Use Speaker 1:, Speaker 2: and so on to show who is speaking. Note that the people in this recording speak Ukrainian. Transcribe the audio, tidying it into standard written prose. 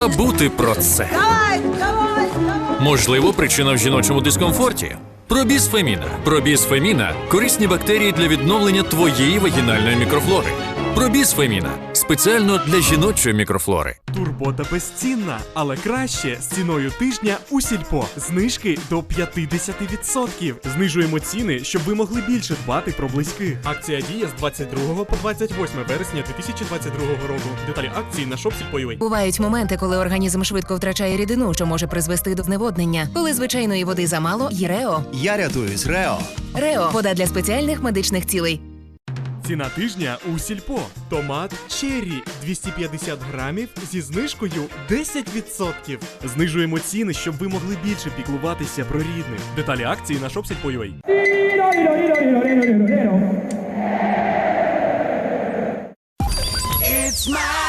Speaker 1: Забути про це. Можливо, причина в жіночому дискомфорті. Пробісфеміна. Пробісфеміна – корисні бактерії для відновлення твоєї вагінальної мікрофлори. Пробісфеміна – спеціально для жіночої мікрофлори.
Speaker 2: Турбота безцінна, але краще з ціною тижня у Сільпо. Знижки до 50%. Знижуємо ціни, щоб ви могли більше дбати про близьких. Акція діє з 22 по 28 вересня 2022 року. Деталі акції на shop.silpo.ua.
Speaker 3: Бувають моменти, коли організм швидко втрачає рідину, що може призвести до зневоднення. Коли звичайної води замало, є Рео.
Speaker 4: Я рятуюсь, Рео.
Speaker 3: Рео – вода для спеціальних медичних цілей.
Speaker 2: Ціна тижня у Сільпо. Томат черрі 250 грамів зі знижкою 10%. Знижуємо ціни, щоб ви могли більше піклуватися про рідних. Деталі акції на shop.silpo.ua.
Speaker 5: It's my